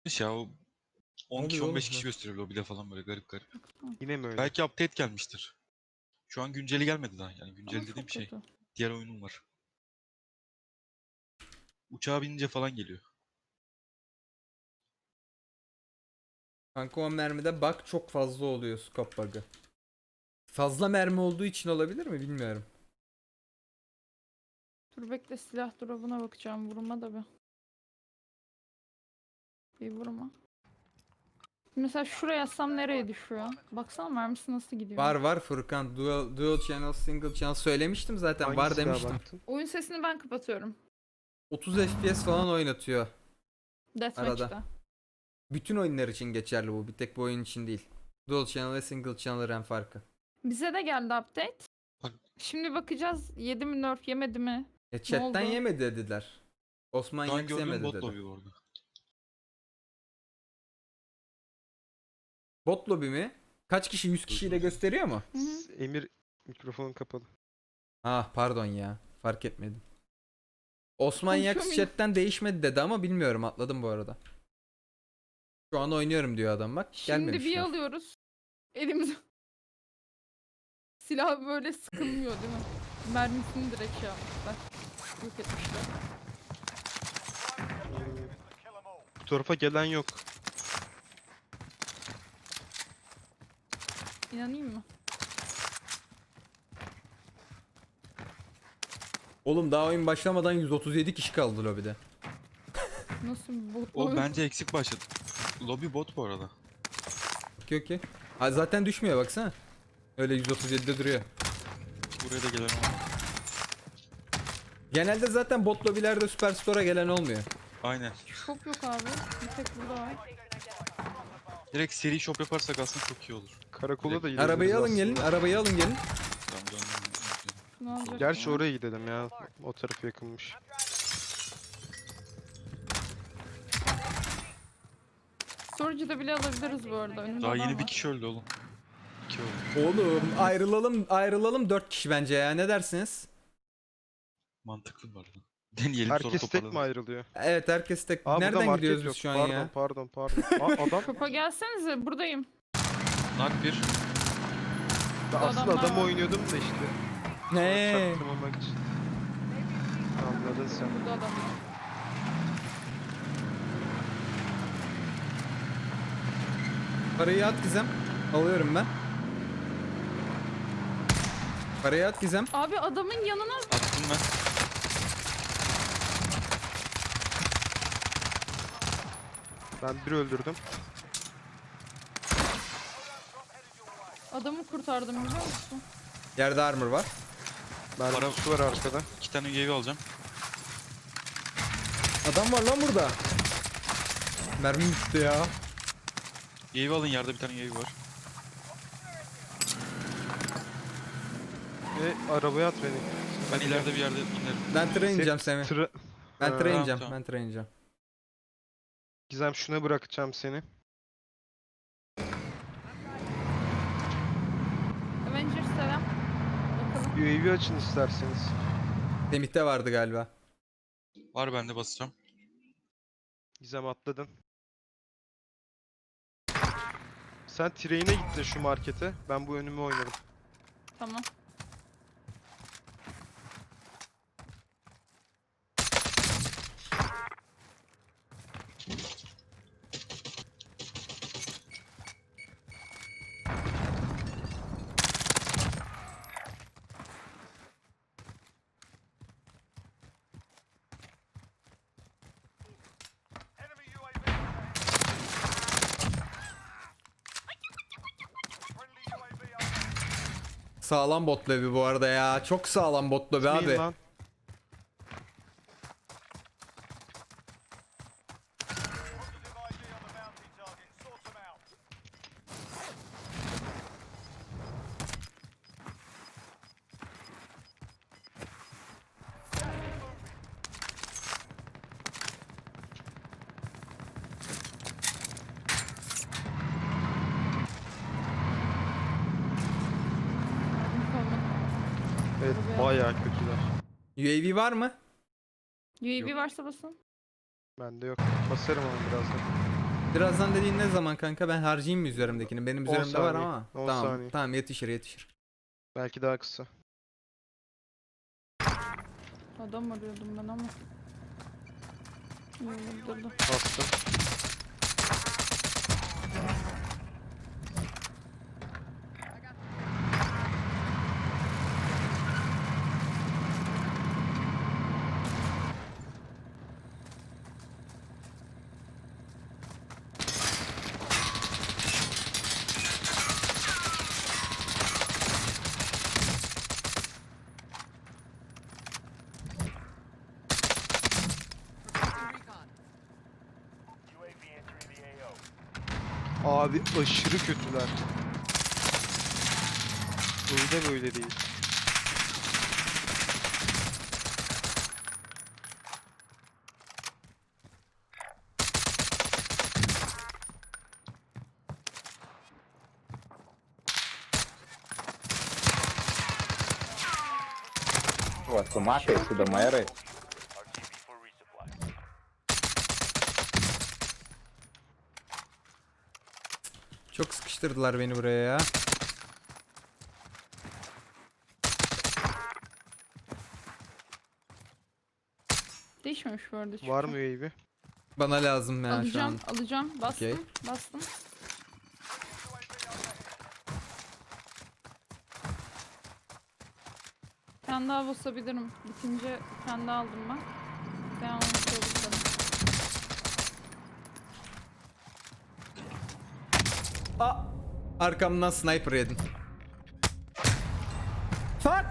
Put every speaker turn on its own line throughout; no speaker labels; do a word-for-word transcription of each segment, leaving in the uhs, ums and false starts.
Ya o on kişi
Oluyor
on beş
oğlum
kişi
ya.
gösteriyor lobide falan böyle garip garip.
Yine mi öyle?
Belki update gelmiştir. Şu an günceli gelmedi daha. Yani
Ama
güncel dediğim
çok
şey.
kötü.
Diğer oyunum var. Uçağa binince falan geliyor.
Kanka o mermide bug çok fazla oluyor, scope bug'ı. Fazla mermi olduğu için olabilir mi bilmiyorum.
Dur bekle, silah drop'una bakacağım. Vurma da bir. Bir vurma. Mesela şuraya yazsam nereye düşüyor? Baksana mermisi nasıl gidiyor.
Var var Furkan, dual, dual channel, single channel söylemiştim zaten,
Hangi
var
silaha
demiştim.
baktın?
Oyun sesini ben kapatıyorum.
otuz F P S falan oynatıyor
Deathmatch'te.
arada. Bütün oyunlar için geçerli bu, bir tek bu oyun için değil. Dual channel ve single channel RAM farkı.
Bize de geldi update.
Bak-
Şimdi bakacağız, yedi mi nerf, yemedi mi?
Ya chatten
oldu?
yemedi dediler. Osman
Şu an
Yaks
gördüğüm
yemedi
bot
dedi.
lobby orada.
Bot lobby mi? Kaç kişi? yüz kişiyle gösteriyor mu?
Hı hı.
Emir mikrofonun kapalı.
Ah pardon ya, fark etmedim. Osman
Konuşuyor
Yaks
muyum?
chatten değişmedi dedi ama bilmiyorum, atladım bu arada. Şu an oynuyorum diyor adam, bak
Şimdi bir
gelmemişler.
alıyoruz. Elimize. Silah böyle sıkılmıyor değil mi? Mermisini direkt şey yapmışlar. Yok etmişler.
Bu tarafa gelen yok.
İnanayım mı?
Oğlum daha oyun başlamadan yüz otuz yedi kişi kaldı lobide.
Nasıl bir bot
O
oyun?
bence eksik başladı. Lobby bot bu arada.
Okey okey. Ha, zaten düşmüyor baksana. Öyle yüz otuz yedide duruyor.
Buraya da gelen olmadı.
Genelde zaten bot lobilerde Superstore'a gelen olmuyor.
Aynen.
Çok yok abi. Bir tek burada var.
Direkt seri shop yaparsak aslında çok iyi olur.
Karakola da
Direkt-
gidebiliriz
Arabayı alın
aslında.
gelin, arabayı alın gelin.
Tamam döndüm.
Şunu alacak
Gerçi
mı?
oraya gidelim ya. O taraf yakınmış.
Storage'ı bile alabiliriz bu arada. Önümde
Daha
adam
yeni bir
var.
kişi öldü oğlum. İki öldü.
Oğlum ayrılalım, ayrılalım dört kişi bence ya, ne dersiniz?
Mantıklı bu arada. Deneyelim sonra
Herkes tek mi
toparlanırız.
ayrılıyor?
Evet herkes tek.
Aa, burada
Nereden
market
gidiyoruz
yok.
biz şu an
pardon,
ya?
Pardon pardon Aa, adam.
Topa gelsenize, buradayım.
Nak bir.
Ben
Bu
aslında
adamlar
adam
var.
oynuyordum da işte.
Ne?
Çaktırmamak için. Anladın sen.
Burada adam var.
Parayı at Gizem. Alıyorum ben. Parayı at Gizem.
Abi adamın yanına
Attım ben.
Ben bir öldürdüm.
adamı kurtardım biliyor musun?
Yerde armor var.
Ben
Para-
şu var arkada.
İki tane U A V alacağım.
Adam var lan burada. Mermi bitti ya.
U A V alın, yerde bir tane U A V var.
Ve arabaya at beni.
Ben ileride bir yerde inerim.
Ben tıra ineceğim Semih.
Tıra...
Ben
Ha,
tıra ineceğim.
tamam.
Ben tıra ineceğim.
Gizem şuna bırakacağım seni.
Avengers selam. Bakalım.
U A V açın isterseniz.
Semih'te vardı galiba.
Var, ben de basacağım.
Gizem atladın. Sen train'e git de şu markete. Ben bu önümü oynarım.
Tamam.
Sağlam bot lobby bu arada ya. Çok sağlam bot lobby
Gitmeyin
abi.
lan.
Mermi kalmadı.
Evet
Arabaya-
bayağı kötüler.
U A V var mı?
U A V
Yok.
varsa basın.
Bende yok. Basarım ama birazdan.
Birazdan dediğin ne zaman kanka? Ben harcayayım mı üzerimdekini? Benim
on
üzerimde var
saniye,
ama.
on
Tamam.
saniye.
Tamam yetişir yetişir.
Belki daha kısa.
Adam arıyordum ben ama. İyi vurdurdu.
Bastım. Abi aşırı kötüler. Böyle böyle değil.
Pô, tu mata isso da Maera?
Çok sıkıştırdılar beni buraya ya.
Değişmemiş bu arada.
Var
çünkü.
mı U A V?
Bana lazım ya şu
Alacağım,
an.
alacağım. Bastım,
Okey.
bastım. Bir tane daha basabilirim. Bitince bir tane daha aldım ben. Devam edebilirim.
Aa! Arkamdan sniper yedim. Fuck!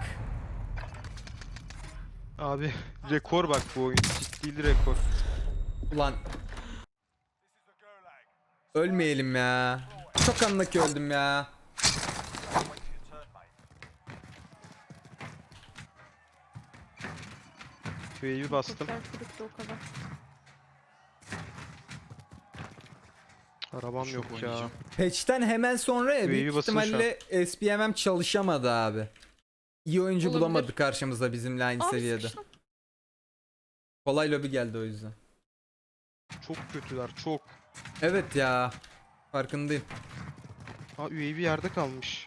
Abi rekor bak bu oyun. Ciddi rekor.
Ulan. Ölmeyelim ya. Çok anlaki öldüm ya.
U A V bastım.
Kurtlar kırıktı o kadar.
Arabam
Çok
yok ya.
oynayacağım.
Patch'ten hemen sonra ya
U A V
büyük
basılı şu
ihtimalle S P M M çalışamadı abi. İyi oyuncu
Olabilir.
bulamadı karşımıza bizimle aynı
Abi
seviyede.
sıkıştım.
Kolay lobi geldi o yüzden.
Çok kötüler çok.
Evet ya. Farkındayım.
Ha U A V yerde kalmış.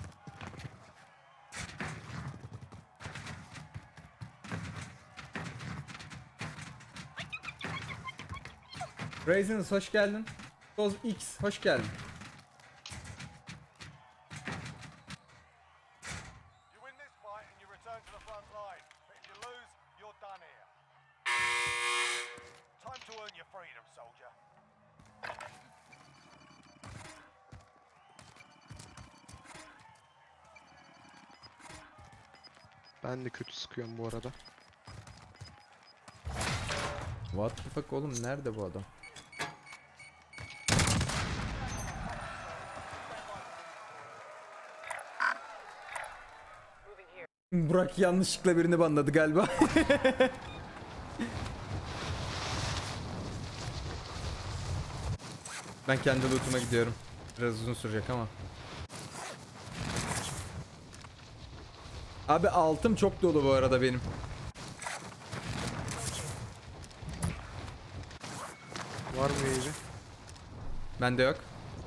Raisins hoş geldin. Toz X hoş geldin.
You win this fight and you return to the front line. But if you lose, you're done here. Time to earn your freedom, soldier.
Ben de kötü sıkıyorum bu arada.
What the fuck oğlum nerede bu adam? Burak yanlışlıkla birini banladı galiba. Ben kendi loot'uma gidiyorum. Biraz uzun sürecek ama. Abi altım çok dolu bu arada benim.
Var mı U A V?
Bende yok.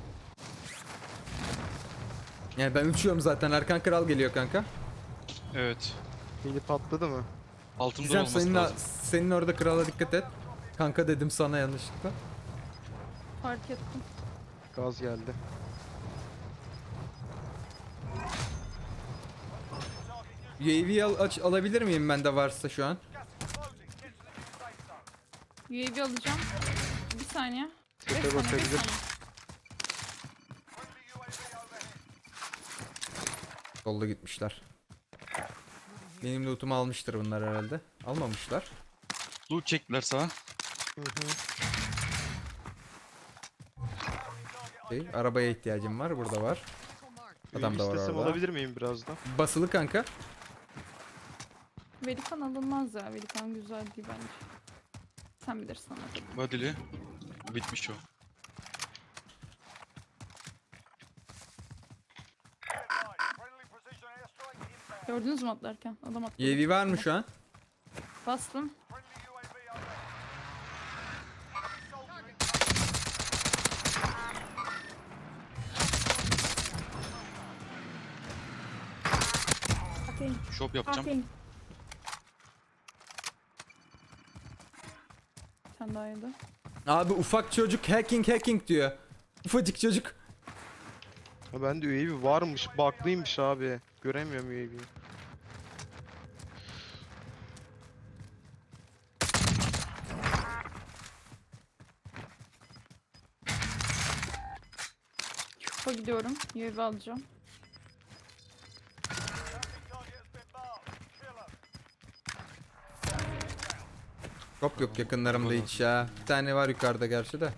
Yani ben uçuyorum zaten. Erkan Kral geliyor kanka.
Evet.
Beni patladı mı?
Altımda
Gizem
olması
senin,
lazım.
senin orada krala dikkat et. Kanka dedim sana yanlışlıkla.
Fark ettim.
Gaz geldi.
U A V al, aç, alabilir miyim bende varsa şu an?
U A V alacağım. Bir saniye. Beş
Tepe
saniye, beş
bakabilir.
saniye.
Solda gitmişler. Benim lootumu almıştır bunlar herhalde. Almamışlar.
Loot çektiler sağa.
Hı hı.
Okey, arabaya ihtiyacım var. Burada var. Adam da var
İstesem
orada.
alabilir miyim birazdan?
Basılı kanka.
Velikan alınmaz ya. Velikan güzel değil bence. Sen bilirsin ama.
Badili. Bitmiş o.
Friendly precision airstrike inbound.
Gördünüz mü atlarken? Adam atladı.
U A V var mı şu an?
Bastım.
Friendly U A V overhead. Soldier
Shop yapacağım.
Hacking. Sen daha yedi.
Abi ufak çocuk hacking hacking diyor. Ufacık çocuk.
Ha, ben de U A V varmış. Bug'lıymış abi. Göremiyorum U A V'yi.
Şufa gidiyorum. U A V alacağım.
Target has been marked. Kill 'em.
Yok yok yakınlarımda hiç ya. Bir tane var yukarıda gerçi de.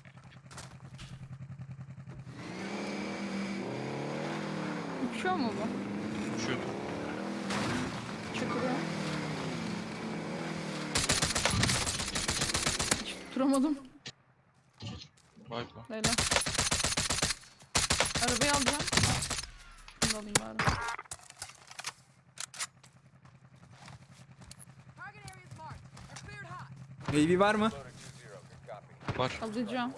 Uçuyor mu bu?
Şu
Çıkıyor. Hiç tutturamadım.
vay be.
Leyla. Arabayı alacağım. Şunu da alayım bari.
Target areas marked. They're cleared hot.
Baby var mı?
Var.
Alacağım.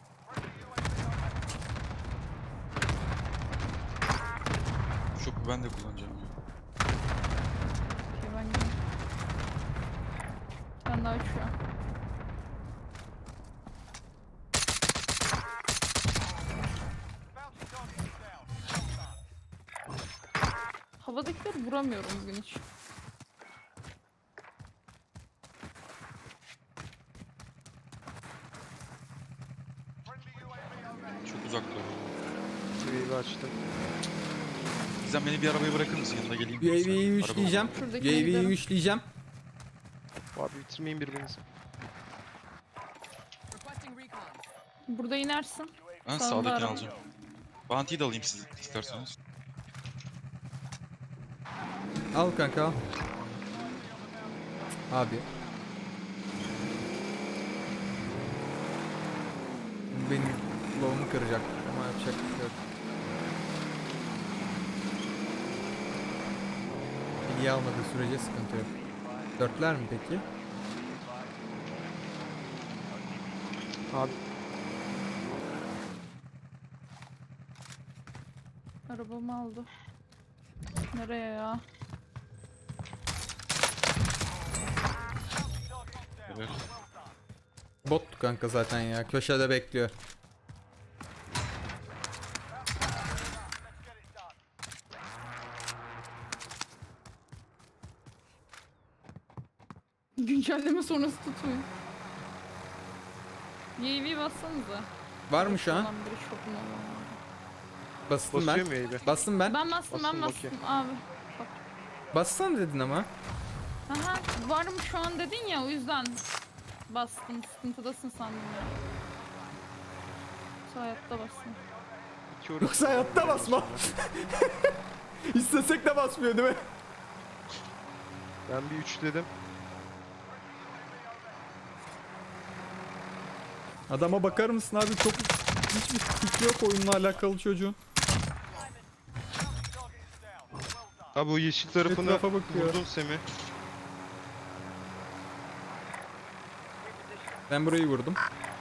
Shop'u ben de kullanacağım ya.
Okey ben gidiyorum. Bir tane daha uçuyor.
Bounty target is down. Well done.
Havadakileri vuramıyorum bugün hiç.
Friendly U A V overhead.
Çok uzakta.
U A V açtım.
Gizem beni bir arabaya bırakır mısın? Yanında geleyim.
U A V'yi
Araba-
üçleyeceğim. U A
Şuradakine
V'yi
gidelim.
üçleyeceğim.
Abi bitirmeyin birbirinizi.
Requesting recon.
Burada inersin.
Ben
Sağında
sağdakini
araba.
alacağım. Bounty'yi de alayım siz isterseniz.
Al kanka al. Abi. Benim low'umu kıracak ama yapacak bir şey yok. Bilgi almadığı sürece sıkıntı yok. Dörtler mi peki?
Abi
Arabamı aldı. Nereye ya?
Evet.
Bot kanka zaten ya. Köşede bekliyor.
Güncelleme sonrası tutmuyor. U A V bassanıza.
Var mı şu an?
Olan biri şokun olan.
Bastım
basıyor
ben.
mu U A V?
Bastım ben.
Ben bastım ben
Basın bakayım.
bastım abi.
Bassana dedin ama.
Aha var mı şu an dedin ya o yüzden bastım. Sıkıntıdasın sandım ya. Şu hayatta bastım.
İki orası.
Yoksa hayatta basma. İstesek de basmıyor değil mi?
Ben bir üçledim.
Adama bakar mısın abi? Çok hiçbir fikri yok oyunla alakalı çocuğun.
Abi o yeşil tarafını
Etrafa bakıyor.
vurdun Semih.
Ben burayı vurdum.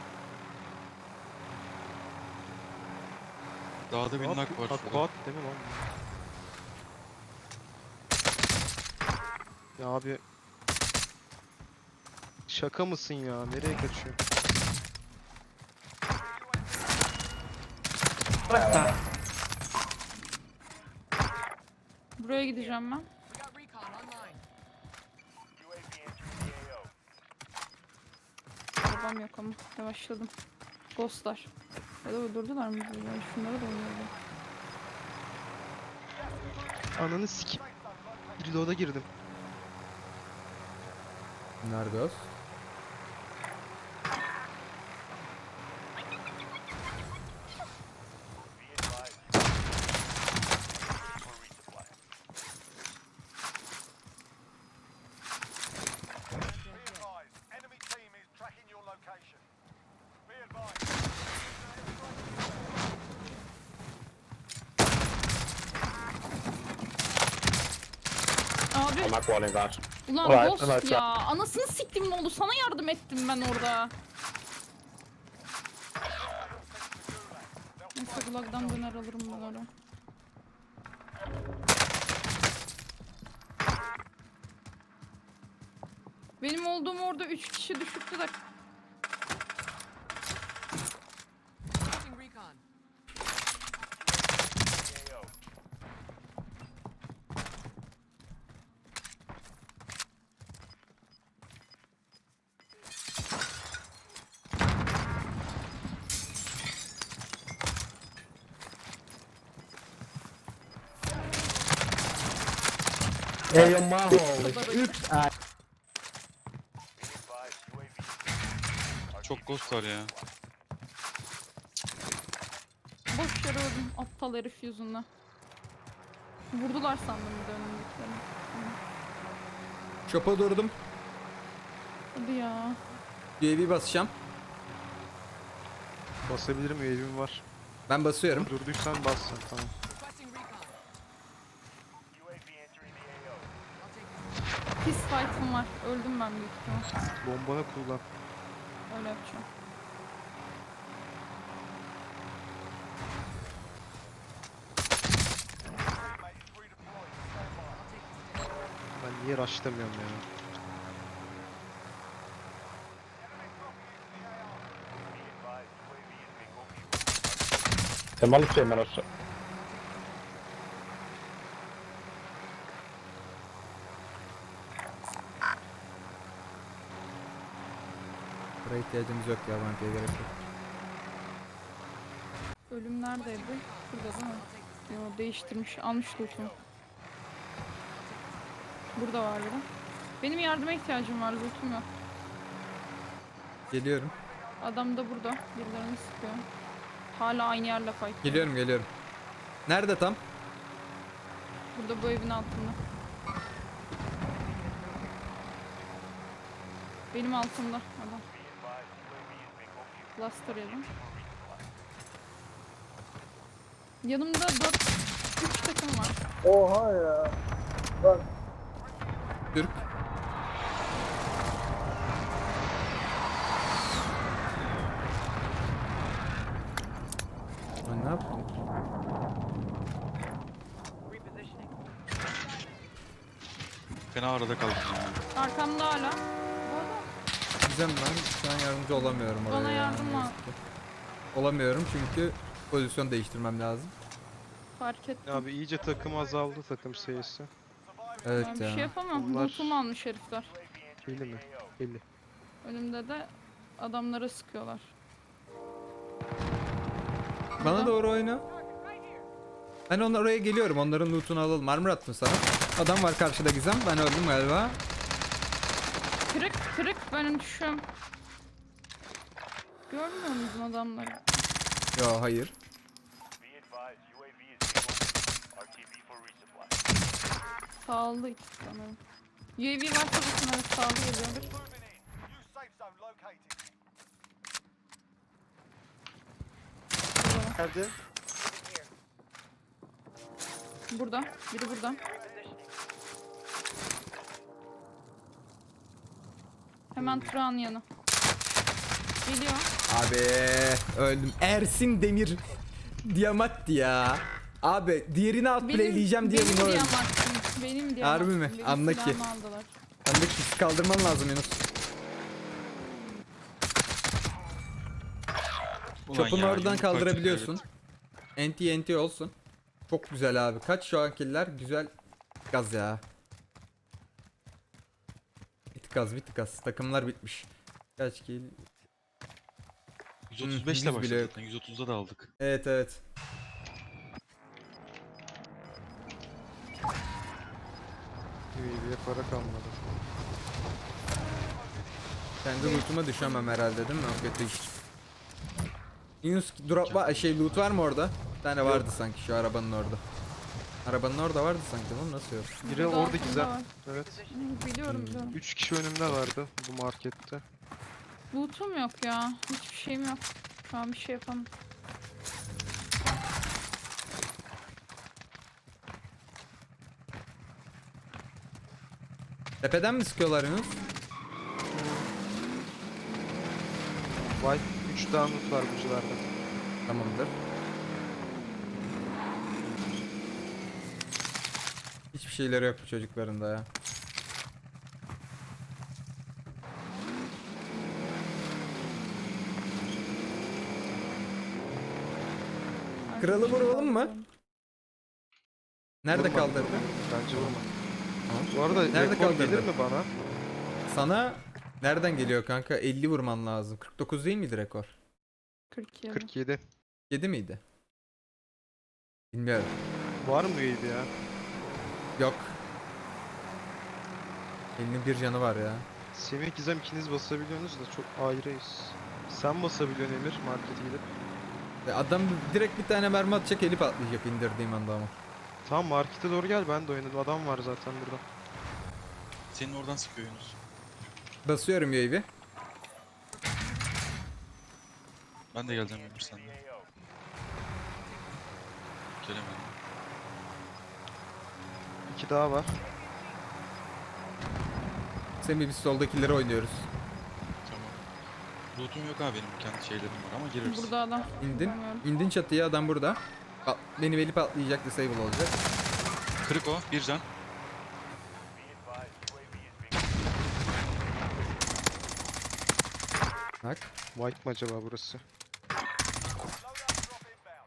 Dağda bir nak var
Ha,
şurada.
quad değil mi lan? Ya abi. Şaka mısın ya? Nereye kaçıyor?
Buraya gideceğim ben.
We got recon online.
U A V entering the A O.
Arabam yok ama yavaşladım. Ghostlar. Ya da öldürdüler mi bizi? Yani şunları da oynuyordu.
Ananı sikip. Reload'a girdim.
Nerede o?
Be advised. For resupply. Be advised. Enemy team is tracking your location. Be advised.
Abi
I'm not calling that.
ulan
Alright,
Ghost
alright,
ya. Anasını siktim ne oldu? Sana yardım ettim ben orada. Neyse Gulag'dan döner alırım bunları. Benim olduğum orada üç kişi düşüktü de.
Requesting recon.
Ey mahvolmuş. üç ay.
Çok ghost var ya.
Boş yere öldüm aptal herif yüzünden. Vurdular sandım bir de önümdekilerini.
Shop'a durdum.
Hadi ya.
U A V basacağım.
Basabilirim, U A V'm var.
Ben basıyorum.
Durduysan bassın, tamam.
Requesting recon. I'll take this.
Pis fight'ım var. Öldüm ben büyük ihtimal.
Bombanı kullan.
Öyle yapacağım.
Mate is redeployed. Stand by.
Ben niye rushlamıyorum ya?
Temalı şey ben aşağı.
Buraya ihtiyacımız yok ya, bankaya gerek yok.
Ölüm neredeydi? Burada değil mi? Yo, değiştirmiş. Almış loot'umu. Burada vardı. Benim yardıma ihtiyacım var. Loot'um yok.
Geliyorum.
Adam da burada. Birilerini sıkıyor. Hala aynı yerle fight.
Geliyorum geliyorum. Nerede tam?
Burada bu evin altında. Benim altımda adam. Cluster yedim. Yanımda dört üç takım var.
Oha ya.
Türk. Lan ne yaptın?
Fena arada kaldım ya.
Arkamda hala. Bu arada
Gizem, ben şu an yardımcı olamıyorum oraya.
bana
ya.
yardım lazım.
Olamıyorum çünkü pozisyon değiştirmem lazım.
Fark ettim.
Abi iyice takım azaldı, takım sayısı.
Evet
Ben bir
ya.
şey yapamam.
Bunlar-
Lootumu almış herifler.
elli mi? elli.
Önümde de adamlara sıkıyorlar.
Bana doğru oyna. Ben onlar oraya geliyorum. Onların lootunu alalım. Armor attım sana. Adam var karşıda Gizem. Ben öldüm galiba.
Kırık kırık benim düşüyorum. Görmüyor musun adamları?
Yo hayır.
Sağlı iki sanırım. U A V varsa bakın evet sağlı geliyordur.
Moving in. New safe zone located.
Nerede?
Burada. Biri burada. Hemen Turan yanı. Geliyor.
Abi öldüm. Ersin Demir Diamatti ya. Abi diğerini outplayleyeceğim diye
benim
bunu öldüm.
diyamattım. Benim diyamattım.
Harbi mi?
Benim
Anla ki.
silahımı aldılar.
Sen de kişi kaldırman lazım Yunus.
Ulan
Çopunu
ya,
oradan
yumruk
kaldırabiliyorsun.
açtık,
Enti enti olsun. Çok güzel abi. Kaç şu an killer? Güzel. Gaz ya. Bir tık az bir tık az. Takımlar bitmiş. Kaç kill?
evet. yüz otuz beş
Hı,
ile
yüz bile
başladık
yok.
zaten. yüz otuzda da aldık.
Evet evet.
U A V'ye para kalmadı.
Kendi loot'uma düşemem herhalde değil mi? O kötü iş. Yunus drop var, şey loot var mı orada? Bir tane vardı sanki şu arabanın orada. Arabanın orada vardı sanki, lan nasıl yok?
Biri
Burada
orada
altında
Gizem.
var.
Evet.
Hı, Biliyorum biliyorum.
üç kişi önümde vardı bu markette.
Loot'um yok ya. Hiçbir şeyim yok. Şu an bir şey yapamam.
Tepeden mi sıkıyorlar Yunus?
White üç download var bucularda.
Tamamdır. Hiçbir şeyleri yok bu çocukların da ya. Kralı vuralım mı? Nerede
Vurma.
kaldırdı?
Bence vurma.
Tamam.
Bu arada
Nerede
rekor
kaldırdı?
gelir mi bana?
Sana nereden geliyor kanka? elli vurman lazım. kırk dokuz değil miydi rekor?
kırk yedi.
kırk yedi.
yedi miydi? Bilmiyorum.
Var mı U A V ya?
Yok. elli bir canı var ya.
Semih Gizem ikiniz basabiliyorsunuz da çok ayrıyız. Sen basabiliyorsun Emir markete gidip.
Ve adam direkt bir tane mermi atacak, eli patlayacak indirdiğim anda ama.
Tamam markete doğru gel, ben de oynadım. Adam var zaten burada.
Senin oradan sıkıyor Yunus.
Basıyorum U A V.
Ben de geleceğim Ömür senden. Gelemedim.
İki daha var.
Semih biz soldakileri oynuyoruz.
Tamam. Loot'um yok abi benim, kendi şeylerim var ama gireriz.
Burada adam.
İndin.
Bilmiyorum.
İndin çatıya, adam burada. Bak, benim eli patlayacak, disable olacak.
Kırık o, bir can.
Bak.
White mı acaba burası?
Loadout drop inbound.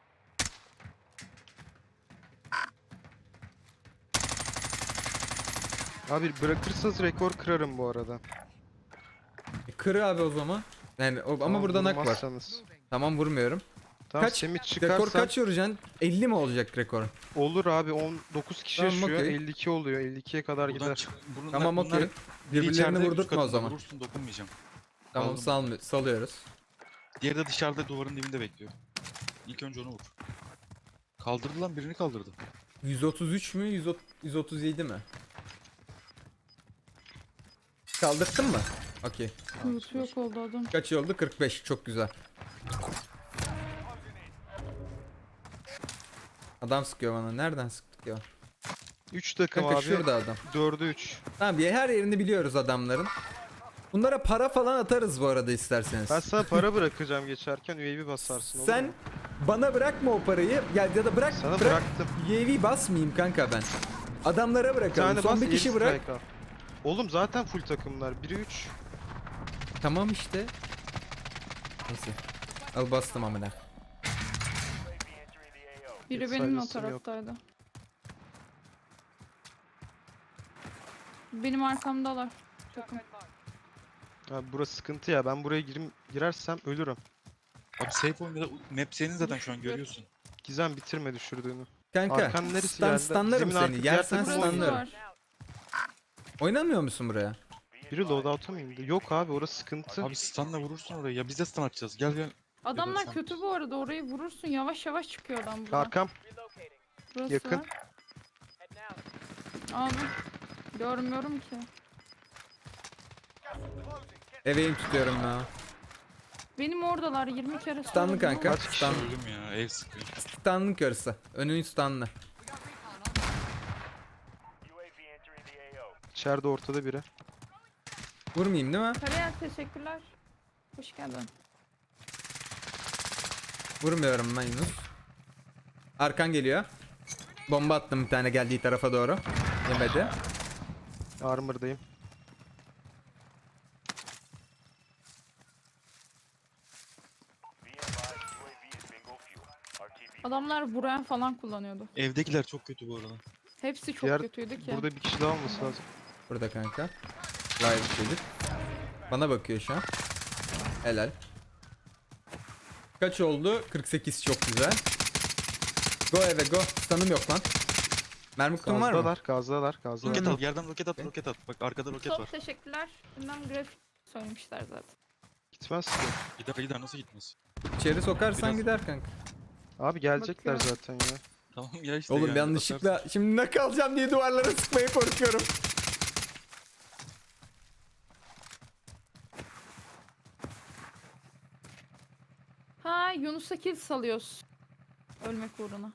Abi bırakırsanız rekor kırarım bu arada.
E, kır abi o zaman. Yani o, ama
Tamam,
burada nak var.
vurmazsanız.
Tamam, vurmuyorum.
Tamam
Kaç?
Semih
Rekor
çıkarsan
kaç vuracaksın? elli mi olacak rekor?
olur abi, on dokuz kişi
Tamam,
yaşıyor,
okey.
elli iki oluyor, elli ikiye kadar
Buradan
gider.
çık. Bunlar,
Tamam,
bunlar
okey.
biri
Birbirlerini
içeride, üst
vurdurtma o
katında.
zaman.
Vurursun, dokunmayacağım.
Tamam,
Aldım.
salmı- salıyoruz.
Diğeri de dışarıda duvarın dibinde bekliyor. İlk önce onu vur. Kaldırdı lan, birini kaldırdı.
yüz otuz üç mü? yüz otuz yüz otuz yedi mi? Kaldırttın mı? Okey.
Loot yok oldu adam.
Kaç oldu? kırk beş. Çok güzel. Adam sıkıyor bana. Nereden sıktık ya?
üç takım
Kanka
abi,
şurada adam.
dörde üç.
Tamam ya, her yerini biliyoruz adamların. Bunlara para falan atarız bu arada isterseniz.
Ben sana para bırakacağım geçerken, U A V basarsın olur
Sen
mu?
bana bırakma o parayı. Ya, ya da bırak
Sana
bırak.
bıraktım.
U A V basmayayım kanka ben. Adamlara
Bir
bırakalım.
tane
Son
bas,
bir kişi
elli
bırak.
strike al. Oğlum zaten full takımlar, biri üç.
Tamam işte. Neyse. Al bastım amına.
Biri
Hiç
benim o
saygısım yok.
taraftaydı. Benim arkamdalar. Takım.
Abi burası sıkıntı ya, ben buraya girim, girersem ölürüm.
Abi safe oyunda map senin zaten şu an görüyorsun.
Gizem bitirme düşürdüğünü.
Kanka
Arkan neresi
stan,
geldi?
stanlarım
Zemin arka
seni.
diğer
Yersen
takım
Burası
oynuyor.
stanlarım.
var.
Oynamıyor musun buraya?
Biri loadout'a mı indi? Yok abi, orası sıkıntı.
Abi stunla vurursun orayı. Ya biz de stun atacağız. Gel gel.
Adamlar
sen-
kötü bu arada, orayı vurursun, yavaş yavaş çıkıyor adam buradan.
Arkam.
Burası
yakın.
var. Abi görmüyorum ki.
Gas is closing. Get
Eveyim tutuyorum ya.
Benim oradalar, yirmi kere
Stunlı
söyledim
kanka.
ama-
Kaç kişi?
Stan,
Öldüm ya. Ev sıkıyor.
stanlı karısı. Önün stunlı.
We got recon on.
U A V entering the A O.
İçeride ortada biri.
Vurmayayım değil mi?
Kariyer teşekkürler. Hoş geldin.
Vurmuyorum ben Yunus. Arkan geliyor. Bomba attım bir tane geldiği tarafa doğru. Yemedi.
Armor'dayım.
Be advised, U A V is bingo fuel. R T B.
Adamlar buraya falan kullanıyordu.
Evdekiler çok kötü bu arada.
Hepsi çok
Diğer-
kötüydü ki.
Burada bir kişi daha olması lazım.
Burada kanka. Live çocuk. Bana bakıyor şu an. Helal. Kaç oldu? kırk sekiz, çok güzel. Go eve go. Stun'ım yok lan. Mermi kutum var mı?
Gazdalar, gazdalar, gazdalar.
Roket at. Yerden roket at. Roket at. Bak arkada roket
Çok
var.
teşekkürler. Bundan grafik söylemişler zaten.
Gitmez ki.
Gider gider, nasıl gitmez?
İçeri sokarsan
Biraz-
gider kanka.
Abi gelecekler
Bakıyorum.
zaten ya.
Tamam ya işte.
Oğlum
yani,
yanlışlıkla
atarsın.
şimdi ne kalacağım diye duvarlara sıkmaya korkuyorum.
Ha, Yunus'a kill salıyoruz. Ölmek uğruna.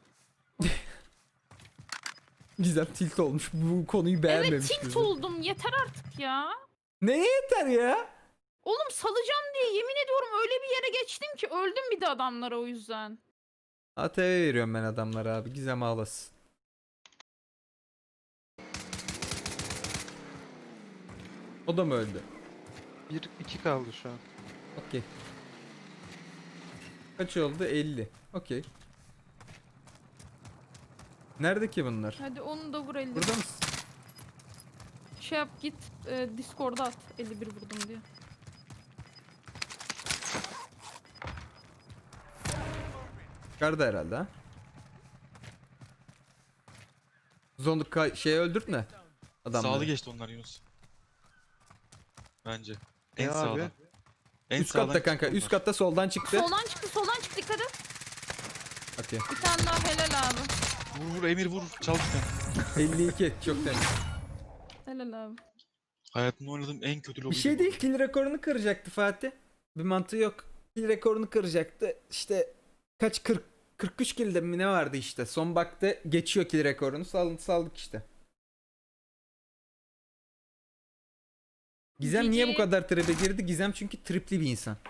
Gizem tilt olmuş. Bu konuyu beğenmemiş.
Evet, tilt
Gizem.
oldum. Yeter artık ya.
Neye yeter ya?
Oğlum salacağım diye yemin ediyorum öyle bir yere geçtim ki öldüm bir de adamlara o yüzden.
A T V veriyorum ben adamlara abi. Gizem ağlasın. O da mı öldü?
Bir, iki kaldı şu an.
Okey. Kaç oldu? elli. Okey. Nerede ki bunlar?
Hadi onu da vur elli.
Burada mısın?
Şey yap git e, Discord'a at elli bir vurdum diye.
Çıkardı herhalde ha. Zonluk ka- şeyi öldürtme. Adamları.
Sağlı geçti onlar Yunus. Bence. En
E abi?
sağdan. En
Üst
sağdan
katta kanka.
çıktı
Üst
onlar.
katta soldan çıktı.
Soldan çıktı soldan çıktı dikkat et.
Okey.
Bir tane daha helal abi.
Vur vur Emir vur. Çal sen.
elli iki çok temiz.
Helal abi.
Hayatımda oynadığım en kötü lobi.
Bir şey değil, kill rekorunu kıracaktı Fatih. Bir mantığı yok. Kill rekorunu kıracaktı. İşte kaç kırk kırk üç kill'de mi ne vardı işte. Son baktı geçiyor kill rekorunu. Saldık saldık işte. Gizem niye bu
Cici.
kadar tribe girdi? Gizem çünkü tripli bir insan.